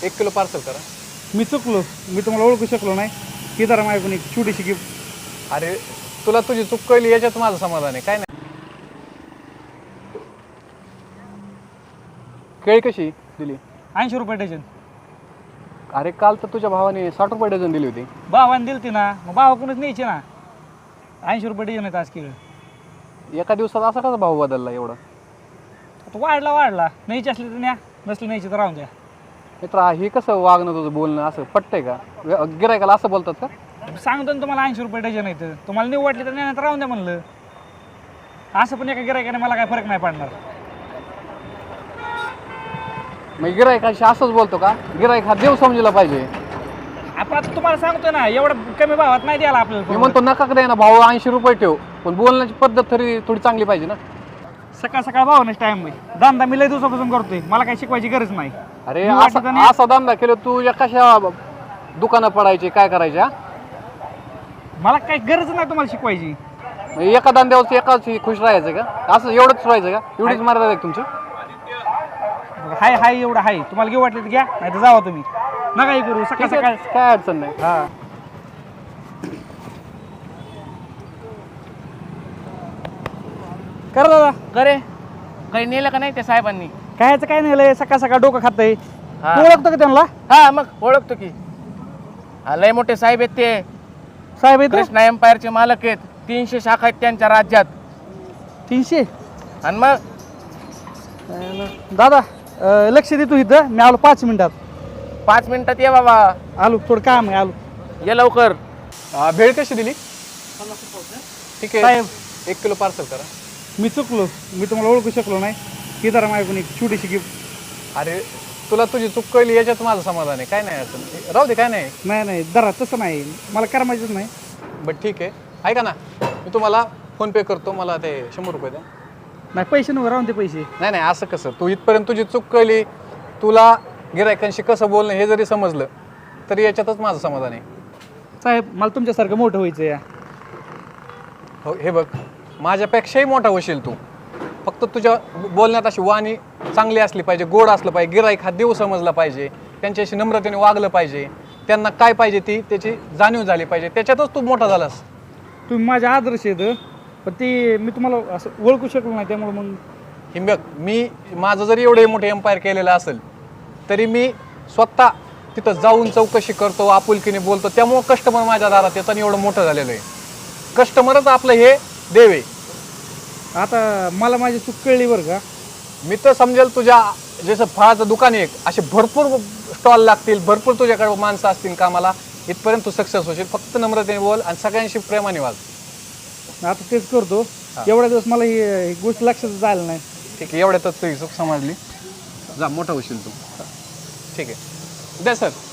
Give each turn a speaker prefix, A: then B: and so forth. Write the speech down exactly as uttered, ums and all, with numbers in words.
A: एक kilo parcel करा.
B: मी चुकलो, मी तुम्हाला ओळखू शकलो नाही. ही जरा माझ्याकडून एक छोटीशी गिफ्ट.
A: अरे तुला तुझी चूक कळली याच्यात माझं समाधान आहे, काय नाही. केळी कशी दिली?
B: ऐंशी रुपये डझन.
A: अरे काल तर तुझ्या भावाने साठ रुपये डझन दिली होती.
B: भावाने दिली ती ना, मग भावाकडूनच न्यायची ना. ऐंशी रुपये डझन आहेत आज केळं.
A: एका दिवसात असा कसा भाव बदलला एवढा?
B: आता वाढला वाढला, न्यायची असली तर न्या, नसली न्यायची तर राहून द्या.
A: मित्रा हे कसं वागणं तुझं बोलणं असं पटतंय का? गिरायकाला असं बोलतात का?
B: सांगतो ना तुम्हाला ऐंशी रुपये डझन आहेत, तुम्हाला नाही वाटली तर न्या, तर राहून द्या म्हणलं. असं पण एका गिरायकाने मला काय फरक नाही पडणार.
A: मग गिरायकाशी असंच बोलतो का? गिरायक हा देव समजला पाहिजे.
B: आपण आता तुम्हाला सांगतो ना, एवढं कमी भावात नाही द्यायला
A: मी
B: आपल्याला.
A: म्हणतो नका द्या ना भाऊ, ऐंशी रुपये ठेव, पण बोलण्याची पद्धत तरी थोडी चांगली पाहिजे ना.
B: सकाळ सकाळ भावानेच टाइम आहे. धंदा मी लय दिवसापासून करतोय, मला काही शिकवायची गरज नाही.
A: अरे
B: मी
A: असा
B: वाटलं तर नाही.
A: असा धंदा केलं तुझ्या कशा दुकानं पडायचे, काय करायचे? हा?
B: मला काही गरज नाही तुम्हाला शिकवायची.
A: म्हणजे एका धंद्यावर एकाच खुश राहायचं का? असं एवढंच राहायचं का? एवढीच मर्यादा आहे का तुमची?
B: हाय हाय एवढं हाय, तुम्हाला घेऊ वाटलं तर घ्या, नाही तर जावा तुम्ही. नका हे करू, सकाळ
A: ठीक
B: सकाळ.
A: आहे, काय अडचण नाही.
B: हा कर दादा.
C: करे काही नेलं का नाही त्या साहेबांनी?
B: कायचं काय नाही लय, सकाळ सकाळ डोकं खातंय.
C: हा.
B: तू ओळखतो का त्यांना?
C: हा मग ओळखतो की. हा, लय मोठे साहेब आहेत ते.
B: साहेब आहेत रे?
C: कृष्णा एम्पायरचे मालक आहेत. तीनशे शाखा आहेत त्यांच्या राज्यात.
B: तीनशे.
C: आणि मग
B: दादा अं, लक्ष दे तू इथं, मी आलो पाच मिनिटात.
C: पाच मिनिटात ये बाबा,
B: आलो, थोडं काम आहे, आलो.
C: ये लवकर.
A: हा, भेळ कशी दिली? ठीक आहे,
B: साहेब
A: एक किलो पार्सल करा.
B: मी चुकलो, मी तुम्हाला ओळखू शकलो नाही. ही जरा माझ्याकडून एक छोटीशी गिफ्ट.
A: अरे तुला तुझी चूक कळली याच्यात माझं समाधान आहे, काय नाही अडचण. राहू दे, काय नाही.
B: नाही नाही दरा तसं नाही, मला करमायचंच नाही.
A: बट ठीक आहे, ऐका ना, मी तुम्हाला फोन पे करतो, मला ते शंभर रुपये द्या.
B: नाही पैसे नव्हे, राहून ते पैसे.
A: नाही नाही असं कसं? तू इथपर्यंत तुझी चूक कळली, तुला गिरायकांशी कसं बोलणं हे जरी समजलं तरी याच्यातच माझं समाधान आहे.
B: साहेब मला तुमच्यासारखं मोठं व्हायचं या.
A: हो, हे बघ, माझ्यापेक्षाही मोठा होशील तू. फक्त तुझ्या बोलण्यात अशी वाणी चांगली असली पाहिजे, गोड असलं पाहिजे. गिराईक हा देव समजला पाहिजे, त्यांच्याशी नम्रतेने वागलं पाहिजे, त्यांना काय पाहिजे ती त्याची जाणीव झाली पाहिजे. त्याच्यातच तू मोठा झालास.
B: तुम्ही माझे आदर्श आहेत, पण ते मी तुम्हाला असं ओळखू शकलो नाही, त्यामुळे मग.
A: हे बघ, मी माझं जरी एवढे मोठे एम्पायर केलेलं असेल तरी मी स्वतः तिथं जाऊन चौकशी करतो, आपुलकीने बोलतो. त्यामुळं कस्टमर माझ्या दारात येतं आणि एवढं मोठं झालेलं आहे. कस्टमरच आपलं हे देव आहे.
B: आता मला माझी चूक कळली बरं का.
A: मी तर समजेल तुझ्या जसं फळाचं दुकान आहे, असे भरपूर स्टॉल लागतील, भरपूर तुझ्याकडे माणसं असतील कामाला, इथपर्यंत तू सक्सेस होशील. फक्त नम्रतेने बोल आणि सगळ्यांशी प्रेमाने वाग.
B: आता तेच करतो. एवढ्या दिवस मला ही ही गोष्ट लक्षात आलं नाही.
A: ठीक आहे, एवढ्यातच तुझी चूक समजली. जा, मोठा होशील तू. ठीक आहे, द्या सर.